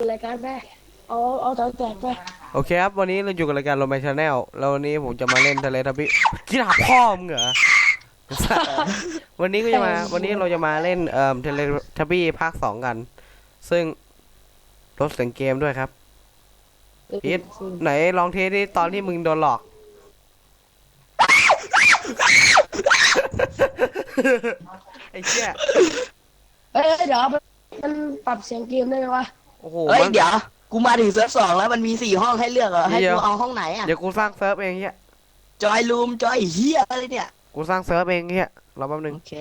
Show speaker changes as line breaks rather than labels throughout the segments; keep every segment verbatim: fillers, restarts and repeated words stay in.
รายการไปเอาเอาแถวแตกไป
โอเคครับวันนี้เราอยู่กับรายการโรแมนชาแนลแล้ววันนี้ผมจะมาเล่นทะเลทับบี้กินหาพ่อมึงเหรอ วันนี้ก็จะมาวันนี้เราจะมาเล่นเอ่อทะเลทับบี้ภาคสองกันซึ่งลดเสียงเกมด้วยครับพีทไหนลองเทสดิตอนที่มึงโดนหลอก ไอ้เชี่ย
เฮ้ยเดี๋ยวมันปรับเสียงเกมได้ไหมวะ
โอ้โห
เฮ้ยเดี๋ยวกูมาถึงเซิร์ฟสองแล้วมันมีสี่ห้องให้เลือกเหรอให้กูเอาห้องไหนอ่ะ
เดี๋ยวกูสร้างเซิร์ฟเองเฮีย
จอยรูมจอยเฮียอะไรเนี่ย
กูสร้างเซิร์ฟเองเฮียรอแป๊บนึง
โอเค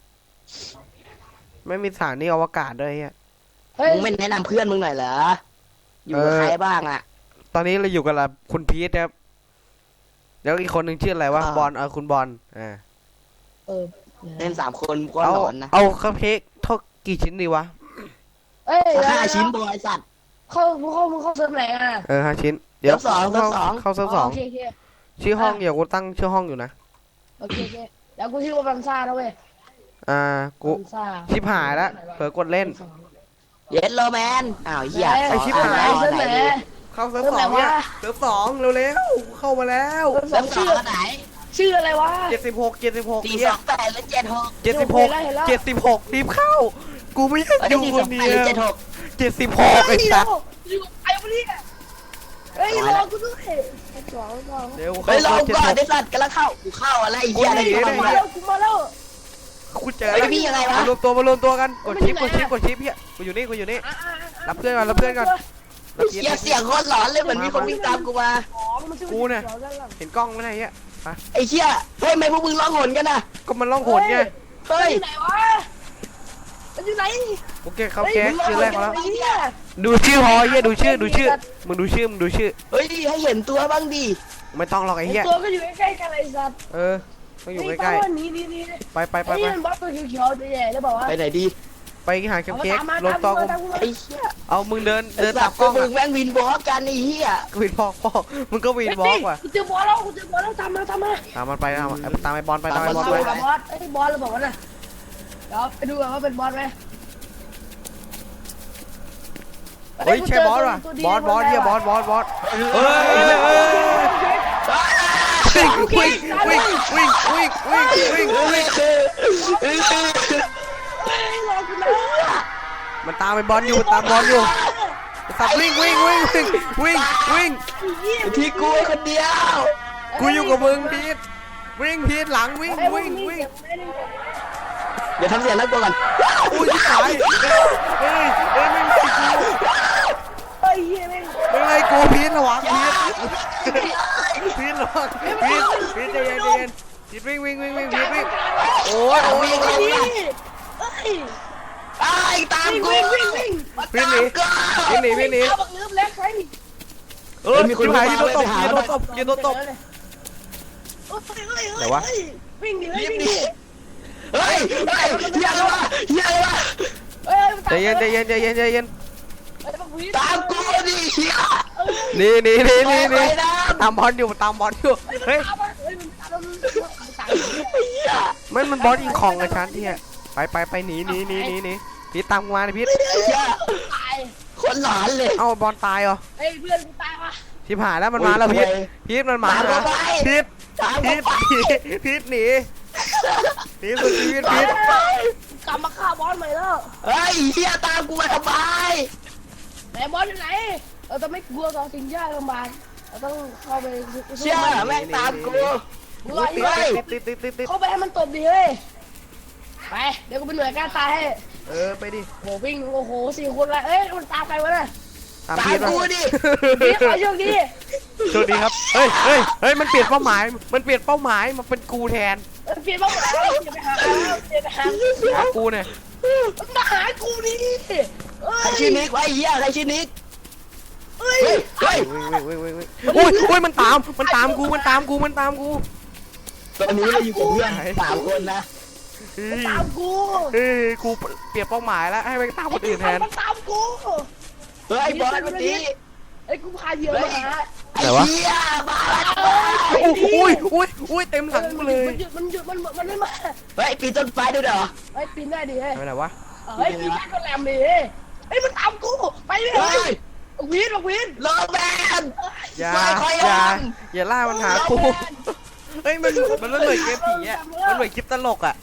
ไม่มีสถานีอวกาศด้วยเฮีย
มึงไม่แนะนำเพื่อนมึงหน่อยเหรออยู่กับใครบ้างอ่ะ
ตอนนี้เราอยู่กับคุณพีทครับแล้วอีกคนหนึ่งชื่ออะไรวะบอลเออคุณบอลอ่า
เออ
เล่นสามคนก็หลอนนะ
เอาคัพเค้กเท่ากี่ชิ้นดีวะ
เอ้ย
ห้าชิ้นบอยสัตว์
เข้ามึงเข้ามึงเข้าเซิร์ฟไหนอ่ะ
เออห้าชิ้น
เดี๋ยวสองเซิร์ฟสอง
เข้าเซิร์ฟสองชื่อห้องเดี๋ยวกูตั้งชื่อห้องอยู่นะ
โอเคโอเคแล้วกูชื่อว่าบันซ่าแล้วเว้ย
อ่ากูชิบหายแล้วเผลอกดเล่น
เย็ดโรแมนอ้าวเหี้ย
ไอชิบหาย
เซิร์ฟไหน
เข้าเซิร์ฟสองเนี่ยเซิร์ฟสองเร็วๆเข้ามาแล้ว
เซิร์ฟชื่อไหน
ชื่ออะไรวะ
เจ็ดสิบหกเจ็ดสิบหก
สี่สองแปดและเจ็ดหก
เจ็ดสิบหกเจ็ดสิบหกรีบเข้ากูไม่อยากอยู่คนเดียว
เจ็ดหก
เจ็ดสิบหกไอ้สัส
อยู่ไอ้พวกนี้เฮ้ยรอกูด้วยสองสอง
เดี๋ยว
เฮ้ยรอก่อนไอ้สัตว์กำลังเข้ากูเข้าอะไรเหี้ยอะไร
กูมาแล้วกูมาแล้ว
กูเจอแล้วพี่ยังไงวะรวมตัวมารวมตัวกันกดชิปกดชิปกดชิปเฮียกูอยู่นี่กูอยู่นี่รับเพื่อนก่อนรับเพื่อนก่อน
เสียงเสียงโคตรหลอนเลยเหมือนมีคนวิ่งตามกูมา
กูเนี่ยเห็นกล้องไหมไอ้เหี้ย
ไอ้เชี่ยเฮ้ยทำไมพวกมึงร้องหนกันน่ะ
ก็มันร้องโหนไง
เฮ้ย
ไหนวะมันอยู่ไหน
โอเคเขาแก๊สชื่อแรกแล้วดูชื่อพอเฮียดูชื่อดูชื่อมึงดูชื่อมึงดูชื่อ
เฮ้ยให้เห็นตัวบ้างดิ
ไม่ต้องหรอกไอ้เหี้ย
ตัวก็อยู่ใกล้ๆกันไอ้สัตว์
เออต้องอยู่ใกล้ๆไปไปไปไป
บอสตัวเขียวๆตัวใหญ่แล้วบอกว่า
ไปไหนดี
ไปหาเค้กรถตอง
ไอ้เหี้ย
เอามึงเดินเดินตับกล้อง
มึงแม่งวินบล็อกกันไอ้เหี้ย
วินบล็อกพ่อมึงก็วินบล็อกว่ะ
กูเจอบอลแล้วกูเจอบอลแล้วตามมาตามมา
ตามมันไปตามตามไอ้บอลไปตามไอ้บอลไป
บอสไอ้บอลเราบอกว่าน่ะเดี๋ยวไปดูกันว่าเป็นบอลไหม
เฮ้ยใช่บอสว่ะบอสบอสเฮียบอสบอสบอสเฮ้ยวิ่งวิ่งวิ่งวิ่งวิ่งวิ่งวิ่งมันตามไปบอลอยู่ตามบอลอยู่สับวิ่งวิ่งวิ่งวิ่งวิ่งวิ่ง
ที่กูคนเดียว
กูอยู่กับมึงพีทวิ่งพีทหลังวิ่งวิ่งวิ่ง
เดี๋ยวทำเสียงแล้วกูก่อน
อุ้ยตายเฮ้ยเฮ้ยไม่ไล่กู
เฮ้ยไม่
ไม่ไล่กูพีทระวังพีทพีทระวังพีทพีทใจเย็นใจเย็นพีทวิ่งวิ่งวิ่งวิ่งพีทวิ่งโอ้ยโอ้ย
เฮ้ย
ไอ้ตามกู
วิ่งวิ่งวิ่ง
พี่หนีพี่หนีพี่หนี
บักลืมแล้วใคร
เออมีคนหายยืนตบยืนตบยืนตบไหนวะ
วิ่งดิวิ่งดิ
เฮ้ยเฮ้ยเฮียอะไรวะเฮียอะไรวะ
ใจเย็นใจเย็นใจเย็นใจเย็น
ตามกูดิเฮีย
นี่นี่นี่นี่นี่ตามบอลอยู่ตามบอลอยู่เฮ้ยมันมันบอลยิงของกับฉันที่ไปไปไปหนีหนีหนีหนีหนีพี่ตามมาเลยพี่
คนหลอนเลย
เอ้าบอลตายเหรอ
เฮ้ยเพื่อนกูตายวะ
ชิบหายแล้วมันมาแล้วพี่พี่มันมาแล้วพี่พี่พี่หนีพี่สุดชีวิตพี่
กลับมาฆ่าบอสใหม่แล้ว
เฮ้ยเฮียตามกูมาทำไม
ไหนบอสอยู่ไหนเราต้องไม่กลัวต่อสิ่งยากลำบากเราต้องเข้าไป
เชื่อแม่งตามกู
ติดติดติดติด
เข้าไปให้มันตบดิเฮ้ยไปเดี๋ยวกูเป็นหน่วยการตายให้
เออไปดิ
โหวิ่งโอ้โหสี่คนละเอ้ยมันตามใครวะเนี่ย
ตาม
กูดิ
พี่ขอโชคดี
โชคดีครับเฮ้ยเฮ้ยเฮ้ยมันเปลี่ยนเป้าหมายมันเปลี่ยนเป้าหมายมาเป็นกูแทน
เปลี่ยนเป้าหมายอย่าไปหาอย่าไปหา
หากูเนี่ย
มาหากูนี่
ใครชื่อนิกไอ้เหี้ยใครชื่อนิก
เฮ้ย
เฮ้ย
โอ้ยโอ้ยมันตามมันตามกูมันตามกูมันตามกู
ตอนนี้เราอยู่กับเพื่อนสามคนนะ
ตามกู
เฮ้ยกูเปลี่ยนเป้าหมายแล้วให้ไปตามคนอื่นแทน
ตามกู
เฮ้ยบอลวันนี้
ไอ้กูพาเหยื่อมาหา
ไอ้เหี้ยมา
อุ้ยอุ้ยอุ้ยเต็มหลังกูเลย
มันหยุดมันหยุดมันมันไม่มา
เฮ้ยปีนต้นไม้ด้วยเหรอ
ไอ้ปีนได้ดิเฮ้ย
ไม่ได้วะ
เฮ้ยปีนได้ก็แหลมดิไอ้ฮ้ยมันตามกูไปเลย
เฮ้ย
บอกวินบอกวิน
โรแมน
อย่า
ไม่ค่อย
อย่า
อ่อน
อย่าล่ามันหากูเฮ้ยมันมันมันเหมือนเกมผีอ่ะมันเหมือนคลิปตลกอ่ะ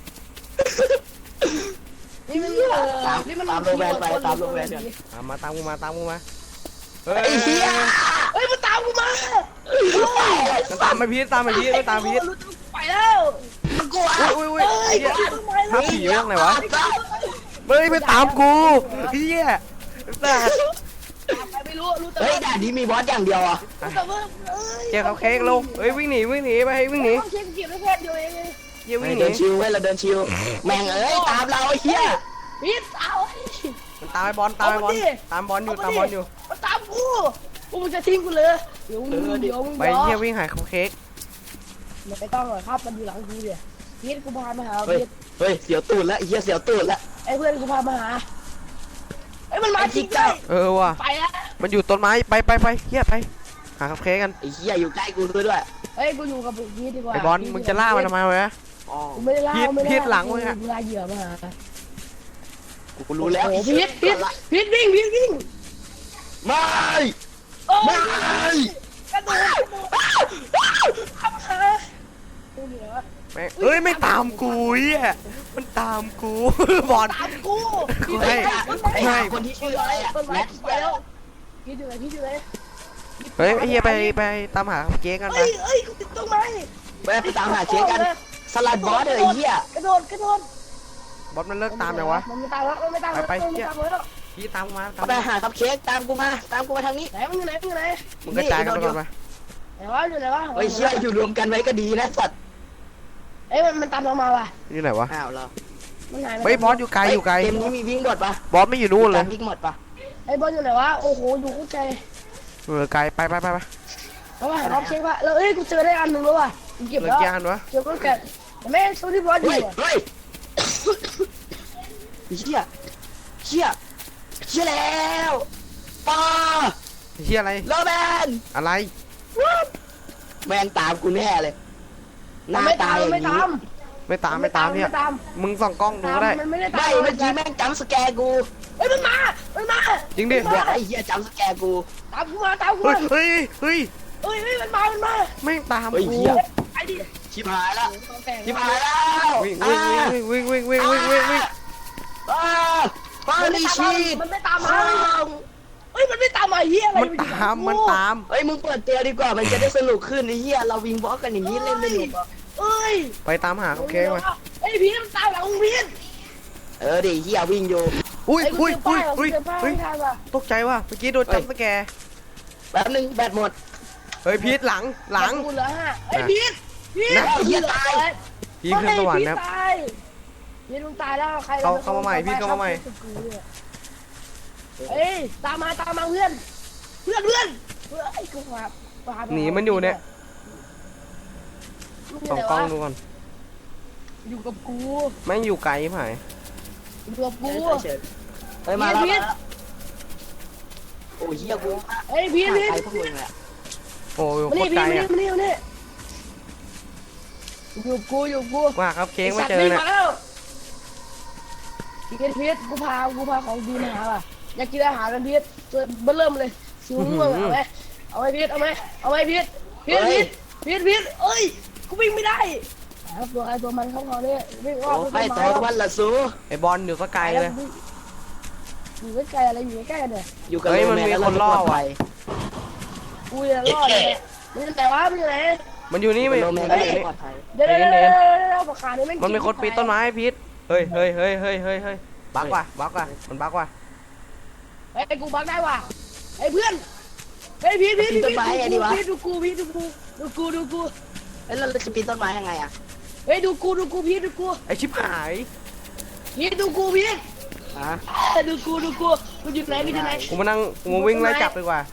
นี่มัน
ตาม
นี่มัน
ตามโรแมนไปตามโรแมนก่อน
ตามมาตามกูมาตามกูมาเฮ้ย
ไอ้เหี้ย
เฮ้ยมันตามกูมา
มันตามไปพีทตามไปพีทไม่ตามพีท
ไปแล้ว
มันกลัว
อุ้ยอุ้ยอุ้ยไอ้เหี้ย
ไป
ภาพผีเรื่องอะไรวะเฮ้ยไม่ตามกูเฮียสัส
ไปไม่รู้รู้แต่
เฮ้ย
ว่า
ด่านนี้มีบอสอย่างเดียวอ่ะ
รู้แต่ว่าเอ้ย
เจ๊เขาเค้กลงเฮ้ยวิ่งหนีวิ่งหนีไปให้วิ่งหนี
ต้องเช็คเก็บได้แค่เดียวเอง
เยี่ยวิ่งห
เดิ
นี
นชิวเว้ยเราเดินชิวแม่งเอ้ยตามเราไอ้เหี้ย
พีทเอา
มันตามไอ้บอลตามไอ้บอลตามบอลอยู่ตามบอลอยู่
มันตามกูกูมันจะทิ้งกูเลยเดี๋ยวมึงเดี๋ยวมึง
ไปเยี่ยวิ่งหายเขาเค้ก
ไม่ต้องหรอกครับมันอยู่หลังกูเนี่ยพีทกูพามาหา
เฮ้ย
พีท
เฮ้ยเสียวตูดแล้วไอ้เหี้ยเสียวตูดแล้ว
ไอ้เพื่อนกูพามาหาไอ้มันมาจริงด้วย
เออว่ะ
ไปแล้ว
มันอยู่ต้นไม้ไปไปไปเฮียไปหาเขาเค้กกัน
ไอ้เหี้ยอยู่ใกล้กูด้วย
เฮ้ยกูอยู่กับพีทดีกว่า
ไอ้บอลมึงจะล่ามันทำไมวะ
อ๋อ
กูไม่ได้ล่า
พีท
ไม่ได้
พีทหลังมึงอะ
กูล่าเหยื่อมาหา
กูรู้แล้ว
โอ้พีทพีทพีทวิ่งพีทวิ่ง
ไม่
โอ้
ไม่
กระโดดกระโดดขับขากูเหนือ
แม่งเอ้ยไม่ตามกูเฮียมันตามกูบอล
ตามกู
กู
ไอ้
ให้
ไอ้หาคนที่ชื่ออะไรอ่ะ
ต้นไม้
แมท
ไปแล้วพีทอยู่ไหนพีทอยู่ไหน
เฮ้ยไอ้เฮียไปไปตามหาเขาเค้กกัน
เฮ้
ไป
ยเฮ้ยกูติดต้นไม้
ไปไปตามหาเช็คกันสลัดบอสเลยไอ้เหี้ย
กระโดดกระโดด
บอลมันเลิกตามยังวะ
มันไม่ตามแล้วมันไม่ตามแล้ว
ไปไป
มันไม่ตามแล้ว
พี่ตามกูมาตาม
ไปหาคัพเค้กตามกูมาตามกูมาทางนี้
ไหนมันอยู่ไหนมันอยู่ไหน
มึงกระจายกันไปก่อนไป
ไหนวะอยู่ไหนวะ
เฮ้ยเชื่ออยู่รวมกันไว้ก็ดีนะสัตว์
เอ้ยมันมันตามเรามาว่ะ
นี่ไหนวะ
อ้าวเหรอ
มันหายไป
เฮ้ยบอสอยู่ไกลอยู่ไกล
เกมนี้มีวิ่งหมดปะ
บอสไม่อยู่นู่นเลย
วิ่งหมดปะ
ไอ้บอลอยู่ไหนวะโอ้โหอยู่คู่ใจ
เออไกลไปไปไปไป
แล้วว่าหาออฟเช็คว่ะแล้วเอ้ยกูเจอได้อันหนึ่งแล้วว่ะกูเก็บ
เหลือ
แล้ว
กี่อันวะ
เก็บแล้วแกแต่แม่โซนี่บอสอยู่
เฮ้ย
อ่ะ
เฮ้ยเชี่ยเชี่ยเชี่ยแล้วป้า
เฮียอะไร
โรแมน
อะไร
แมนตามกูแน่เลยห
มัน
น้า
ไม่
ตา
ตาม
อ
มัน
ย่าง
ไม่
นี้
ตาม
ไม่ตามไม่ตามเนี่ย
ไม่ตาม
มึงส่องกล้องดู
ตาม
ก็ได้
มันไม่ได้ตาม
ไม่เมื่อกี้แม่งจำสแกร์กู
เฮ้ยมันมามันมา
จริงดิ
เดี๋ยวไอ้เหี้ยจำสแกร์กู
ตามกูมาตามกู
เฮ้
มาย
เฮ้ยเฮ้ย
เฮ้ยเฮ้ยมันมามันมา
แม่งตาม
เฮ้ย
กู
เหี้ย
ไอ้ดิ
ชิบหายแล้ว
แต่ง
ชิบหายแล้ว
วิ่งวิ่งวิ่งวิ่งวิ่งวิ่งวิ่งวิ่งวิ่ง
อ้าวปา
มัน
ลิ
ไม่
ชี
มันไม่ตามมาเฮ้ยมันไม่ตามมาเฮียอะไร
มันตามมันตาม
เฮ้ยมึงเปิดเตียดีกว่ามันจะได้สนุกขึ้นไอ้เหี้ยเราวิงบล็อกกันอย่างนี้เล่นไม่หนุกหรอก
เอ้ย
ไปตามหาเขาเค้กมา
ไอ้พีทมันตามหลังมึงพีท
เออดิเหี้ยวิ่งอยู่
อุ้ย
ไอ้กู
อุ้ย
เจอ
อุ้
ป้าย ย
อุ้ย
เจอป้าย
อุ้ย
ไม่ทันว่ะ
ตกใจว่ะเมื่อกี้โดนจับสแกร์
แป๊บนึงแบตหมด
เฮ้ยพีทหลังหลัง
กูเหลือห้าไอ้พีทพีท
นะ
เหี้ยตาย
พีทขึ้นสวรรค์ครับ
พีทมึงตายแล้วใคร
เข้าเข้ามาใหม่พีทเข้ามาใหม่
เอ้ยตามมาตามมาเพื่อนเพื่อนเพื่อนเพื่อนไอ้กูมา
หนีมันอยู่เนี่ยส่องกล้องดูก่อน
อยู่กับกู
แม่งอยู่ไกลไหม
อยู่กับกู
เฮ้ยมาแล้ว
พีท
โอ้ยเหี้ยกู
เฮ้ยพีทพีท
ใครพวกมึงแหละ
โอ้ย
มา
โค
นี่
ตร
พี
ไกล
ทมานี่
อ่ะ
มานี่มานี่อยู่กูอยู่กู
ว่าครับเค้กไม่
สัตว์
เจอ
วิ่ง
เนี่ย
มาแล้วพีทพีทกูพากูพาของดีมาหาว่ะอยากกินอาหารกันพีทเจอเบิ่มเลยสิวม่วงเอาไหมเอาไหมพีทเอาไหมเอาไหมพีทพีทพีทพีทพีทเอ้ยกูวิ่งไม่ได้ครับตัวไอ้ตัวมันเข้าเขาเนี่ยวิ่งออก
โอ้
ไป
ไป
ต้น
ตัว
ไม้
วันละสู
ไอ้บอลอยู่ก็ไกลเลย
อยู่ใกล้ๆอะไรอยู่ใกล้ๆกันเนี่ย
อยู่กับ
เฮ้ยมันมีคนล่อว่ะ
กูจะรอดเลยมันจะแต่ว่ามันอยู่ไหน
มันอยู่นี่
ไม่
มัน
โรแมน
มัน
ก็
อยู่
ไม่
นี่
ปลอดภัย
เดี๋ยวเดี๋ยวเดี๋ยวเดี๋ยวปากกานี่แม่ง
มันมีคนปีนต้นไม้พีทเฮ้ยเฮ้ยเฮ้ยเฮ้ยเฮ้ยเฮ้ยบักว่ะบักว่ะมันบักว่ะ
เฮ้ยกูบักได้ว่ะไอ้เพื่อนเฮ้ยพีทพีทพีทพีทดูกูพีทดูกูดูกูดูกู
เอ้ยเราจะปีนต้นไม้ยังไงอะ
เฮ้ยดูกูดูกูพีทดูกู
ไอชิบหาย
พีทดูกูพีท
ฮะ
ดูกูดูกูกูอยู่ไหนกูอยู่ไหน
กูมานั่งกูมาวิ่งไล่จับดีกว่า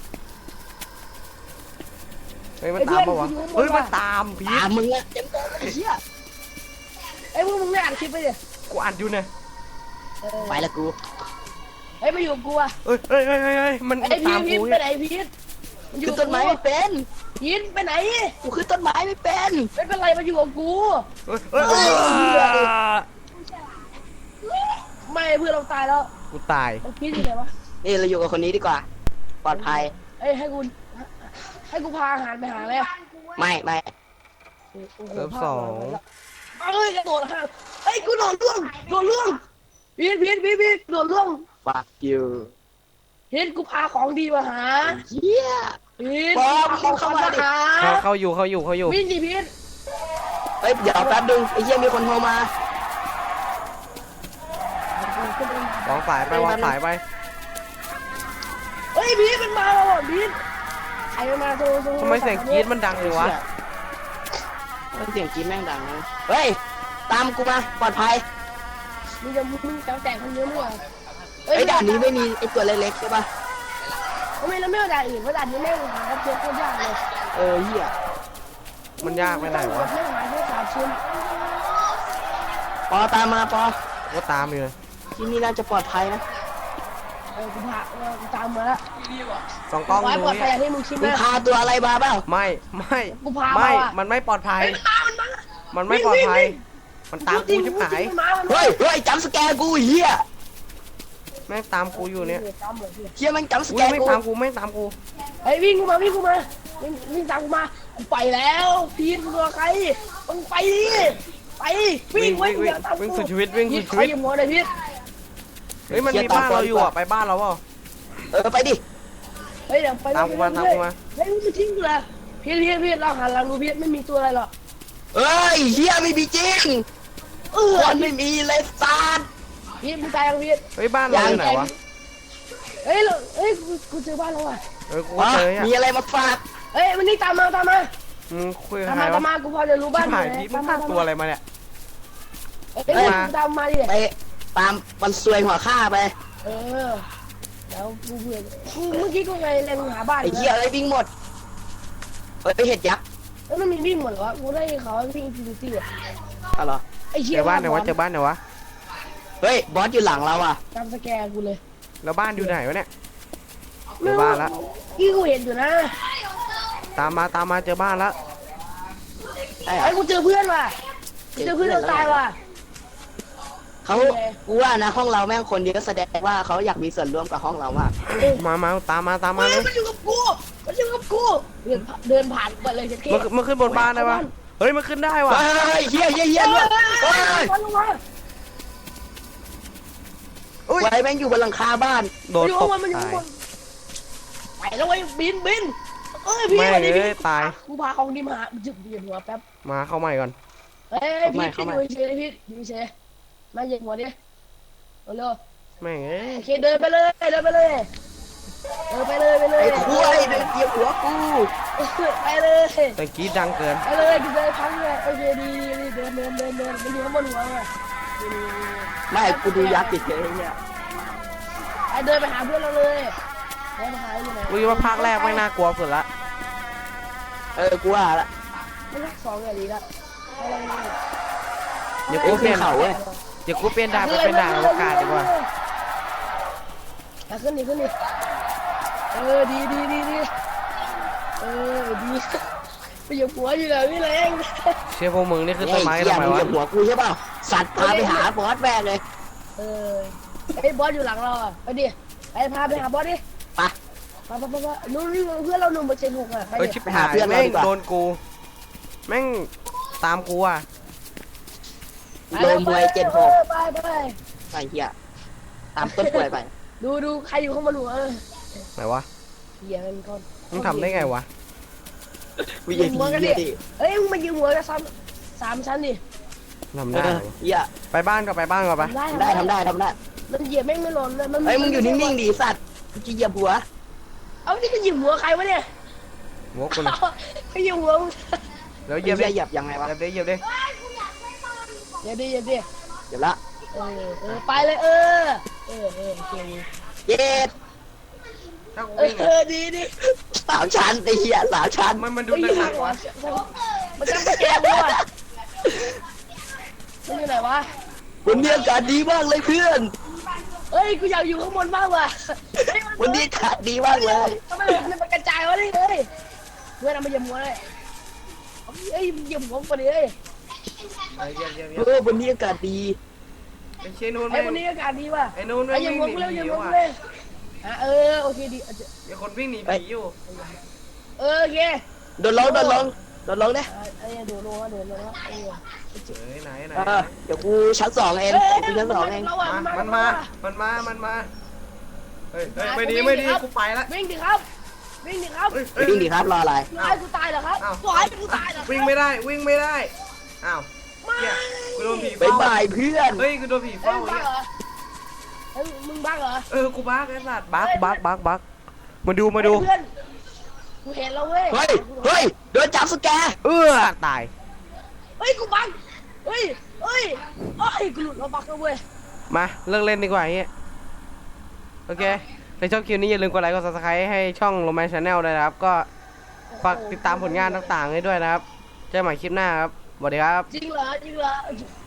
เฮ้ยมันตามปะวะเฮ้ยมันตามพี
ตา
ท
มมึงอะเต็มตัวไอ้เหี้ย
ไอ้พวกมึงไม่อ่านคลิปไปดิ
กูอัดอยู่เนี่ย
ไปละกู
เฮ้ยมาอยู่กูอ่ะ
เฮ้ยเฮ้ยเฮ้ยเฮ้ยมัน
ไอ้
มัน
พี
ตา
ท
ม
พีท
กู
ไป
เนี่ย
ไหนพีท
ขึ้นต้นไม้ไม่เป็น
พีทไปไหน
กูขึ้นต้นไม้ไม่เป็น
ไม่เป็นไรมาอยู่กับกู
เฮ้ยเฮ้ยเฮ้ย
ไม่เพื่อนเราตายแล้ว
กูตาย
มันพีทอยู่ไหนวะ
นี่เราอยู่กับคนนี้ดีกว่า ปลอดภัย
เอ้ยให้กูให้กูพาอาหารไปหาเลย
ไม่ไม่
โอ้โห
เซิร์ฟสอง
เอ้ยกระโดดข้างเอ้ยกูโดดล่วงโดดล่วงพีทพีทพีทพีทโดดล่วง
ฟักยู
พีทกูพาของดีมาหา
เฮีย
พีท
บอม
ของ
เข้า
เข้า
มา
มา
ดิ
หา
เขาเขาอยู่เขาอยู่เขาอยู่
วิ่งดิพีท
เฮ้ยเดี๋ยวแป๊บนึงไอ้เฮียมีคนโทรมา
วางสายไปวางสายไป
เฮ้ยพีทมันมาแล้วอ่ะพีทใครมันมาโทรโทร
ทำไมเสียงกรี๊ดมันดังเลยวะ
เฮ้ยเสียงกรี๊ดแม่งดังนะเฮ้ยตามกูมาปลอดภัย
มึงจะมึงจะแตกคนเยอะมั้ย
ไอ้ยด่านนี้ไม่มีไอ้ตัวเล็กๆใช่ปะ
ทำไมเราไม่เอาด่านอื่นเพราะด่านนี้แม่งหาครับเจอโคตรยากเลย
เออเฮีย
มันยากไปไหนวะ
แม่งหาแค่สามชิ้น
ปอตามมาปอ
ก็ตามอยู่เลย
ที่นี่น่าจะปลอดภัยนะ
เออกูพาเออกูตามมาแล้ว
สองกล้อง
ไว้
ดู
ปลอดภัยอ
นี่
ย่างที่มึงคิด
มึง
นะ
พาตัวอะไรมาเปล่า
ไม่ไม่
กูพา
ไม่
มาว่ะ
มันไม่ปลอดภัย
เฮ้ยมันมามันมา
มันไม่ปลอดภัย มันตามกูชิบหาย
เฮ้ยเฮ้ยจำสแกร์กูเฮีย
แม่งตามกูอยู่เนี่ย
ตามเลยพี่
เฮียแม่งจำส
อุ้
แก
ย
ร์
ไม่
กู
ตามกูไม่ตามกู
เฮ้ยวิ่งกูมาวิ่งกูมาวิ่งวิ่งตามกูมากูไปแล้วพีทมึงรอใครมึงไปดิไปวิ่ง
วิ่ง
วิ่ง
วิ่ง
อย่าตามกู
วิ่งสุดชีวิตวิ่ง
พี
สุ
ท
ดชี
ใคร
วิต
อยู่หัวเลยพีท
เฮ้ยมันมีบ้านเราอยู่อ่ะไปบ้านเราเปล่า
เออไปดิ
เฮ้ยเดี๋ยวไป
ตามกูมาตามกูมา
เฮ้ยมึงไม่ทิ้งกูเลยพีทพีทพีทเราหันหลังดูพีทไม่มีตัวอะไรหรอก
เอ้ยเฮียไม่มีจริง
เออ
คนไม่มีเลยซาด
พีทมึงตายยังพีท
เฮ้ยบ้านเราอยู่ไหนวะ
เฮ้ยเราเฮ้ยกูกูเจอบ้านแล้วอ่ะ
เออกู
วะ
เจออ่ะ
มีอะไรมาฝาก
เฮ้ยมันนี่ตามมาตามมา
มึงคุยกับ
ตาม
ใคร
มาตาม
วะ
มากูพอจะรู้บ้าน
ชิบหายพีทมึงฆ่าตัวอะไรมาเนี่ย
เฮ้ยตามมาดิ
ไปตามมันซวยหัวข้าไป
เออแล้วกูเบื่อกูเมื่อกี้กูไงเล็งหาบ้าน
ไอ้เหี้ยเอ้ยวิ่งหมดเฮ้ยไปเห็ดยักษ์
แล้วมันมีวิ่งหมดเหรอวะกูได้เขาวิ่งฟินิตี้อ่ะ
อะไรอ
ไอ้เชี่
เจ
ย
อบ้านไหนวะเจอบ้านไหนวะ
เฮ้ยบอสอยู่หลังเราอ่ะ
จำสแกนกูเลย
แล้วบ้านอยู่ไหนวะเนี่ยเจอบ้านละ
ที่กูเห็นอยู่นะ
ตามมาตามมาเจอบ้านละ
ใช่เหร
ไอ้
อ
กูเจอเพื่อนว่ะกูเจอเพื่อนเราตายว่ะ
เขากูว่านะห้องเราแม่งคนเยอะแสดงว่าเขาอยากมีส่วนร่วมกับห้องเรามาก
มามาตามมาตามมา
เฮ้ย
เลย
มันอยู่กับกูมันอยู่กับกูเดินผ่านเดินผ่านไปเลยจะเก้
มันมันขึ้นบนบ้านได้ปะเฮ้ยมันขึ้นได้วะ
เฮ้ยเฮียเฮียเฮียด้วยเฮ้ย
มันลงมา
อุ้ย
ไว้แม่งอยู่บนหลังคาบ้าน
โดน
อยู่
ต
ข้าง
ก
บนมันอยู่
ตา
ข้าย งบนไปแล้วไอ้บินบินเอ้ยพี่
แม่
วันนี้
เอ้
พี่
ยตาย
กูพาของดีมาหาจุดเดียนหัวแป๊บ
มาเข้าใหม่ก่อน
เฮ้ยพี่พี่อยู่เฉยพี่อยู่เฉยมาเหยียบหัวดิเร็ว
แม่งเอ้ย
โอเคเดินไปเลยเดินไปเลยเดินไปเลยไปเลย
ไอ้คุยเดินเหยียบหัวกู
ไปเลย
แต่กรีดดังเกิน
ไปเลยกูเดินพังเลยโอเคดีดีเดินเดินเดินเดินมันอยู่ข้างบนหัวไง
ไม่กูดูยักษ์ติดเฉยเนี่ย
ไอเดินไปหาเพื่อนเราเลยเดินไปหาอยู่ไหน
กูคิดว่าภาคแรกไม่น่ากลัวสุดละ
เออกูว่าละ
ไม่รักสองอย่างนี้ละ
เดี๋ยวกูเปลี่ยน
เขาเว้ย
เดี๋ยวกูเปลี่ยนด่านไปเป็นด่านอวกาศดีกว่า
ขึ้นดิขึ้นดิเออดีดีดีดีเออดีไปอยู่หัวอยู่เลยพี่เล้ง
เชื่อพวกมึงนี่คือต้นไม้
เหี้ย
ทำไม
มึง
วะ
เหยียบหัวกูใช่เปล่าสัตว์พาไปหาบอสแม่งเลย
เออไอ้บอสอยู่หลังเราอ่ะไปดิไปพาไปหาบอสดิ
ไป
ไปไปไปนู่นนี่เพื่อนเราหนุ่มเปอร์เซ็นต์หกอ่ะไป
เอ้ย
ดิ
ชิบหายแม่งโดนกู แม่งตามกูอ่ะ
โดนมวยเจ็ดหก
ไปไปไป
ไอ้เหี้ยตามต้นกล้วยไป
ดูดูใครอยู่ข้างบนหัวเออ
ไหนวะ
เหี้ยมันก่อน
มึงทำได้ไงวะ
วิญญาณเหี้ยดิ
เอ้ยมึงมายืมหัวกันซ้ำสามชั้นดิ
ทำ
เอ
ได้
อ
วะ
เหี้ย
ไปบ้านก็ไปบ้านก็ไป
ทำได้
ทำได้ทำได้ทำได้
มันเหยียบแม่งไม่หล่นเลยมัน
เฮ้ยมึงอยู่นิ่งๆดิสัตว์กูจะเหยียบหัว
เอาที่จะหยิบหัวใครวะเนี่ย
หัวกูนะ
ไปหยิบหัวมึง
เดี๋ยวเห
เห
ยี
ยี
ย
ย
บบ ดิ
เหยียบยังไงวะ
เหยียบดิเหยียบดิ
เดี๋ยวดิเดี๋ยวดิ
เดี๋ยวละ
เออเออไปเลยเออเออเออโอเค
เย็ด
ถ้ากู
เอ
วิ่ง
อ
อะ
ดีดี
สามชั้นไอ้เหี้ยสามชั้น
มันมันดู
ไปหยิบ
หนัก
หัว
วะ
มันจะไปแกงด้วยมันอยู่ไหนวะ
วันนี้อากาศดีมากเลยเพื่อน
เฮ้ยกูอยากอยู่ข้างบนมากว่ะ
วันนี้อากาศดีมากเลย
ทำไมมันกระจายวะนี่เฮ้ยเพื่อนเอามาเหยียบหัวเลยเฮ้ยเหยียบหัวก่อนดิเฮ้ย
เหยียบเหยียบเหยี
เอย
บ
อวันนี้อากาศดี
ไอ้เชนูน
ไอ้
แม่ง
คนนี้อากาศดีว่ะ
ไอ้นูน
ไอ้
แม่ง
ยัง
วิ่ง
ง
ห
ง
นี
เร็วยัง
ผี
งง
ว่ะ
เลยอ่ะเออโอเคดีอ่ะ
ไอ้คนวิ่งหนีผีอยู่
เออโอเค
โดนลงโดนลงโดนลงเนี่ย
อ่ะไอ้เดี๋ยวลงนะเดี๋ยวลงนะไอ้
เฮ้ยไหนไหน
เออเดี๋ยวกูชั้นสองเอง
เอ้ย
กูชั้นสองเอง
เราอ่ะ
มา
มั
มัน นมา มันมา มันมา เฮ้ยเฮ้ยไม่ดีไม่ดีกูไปละ
วิ่งดิครับวิ่งดิครับ
เฮ้ยเฮ้ย
วิ่งดิครับรออะไร
ปล่อยให้กูตายเหรอครับ
อ้าว
ปล่อยให้กูตายเหรอครับ
วิ่งไม่ได้วิ่งไม่ได้อ้าว
ไม่
เหี้ยกูโดนผี
บ๊าย
เฝ้า
บายเพื่อน
เฮ้ยกูโดนผี
เฮ้ย
เฝ้า
มึงบ้า
เนี่ย
เหรอเฮ้ยมึงบ้าเหรอ
เออกูบักไอ้สัตว์บักบักบักบักมาดูมาดู
เพื่อนกูเห็นแล้วเว้ย
เฮ้ยเฮ้ยโดนจับสแกร์
เออตาย
เฮ้ยกูบังเฮ้ยเฮ้ยเฮ้ยกูหลุดแล้วบักแล้วเว้ย
มาเลิกเล่นดีกว่าอย่างเงี้ยโอเคในช่องคลิปนี้อย่าลืมกดไลค์กด ซับสไครบ์ ให้ช่องโรแมนชาแนลด้วยนะครับก็ฝากติดตามผลงานต่างๆให้ด้วยนะครับเจอกันใหม่คลิปหน้าครับสวัสดีครับ
จริงเหรอจริงเหรอ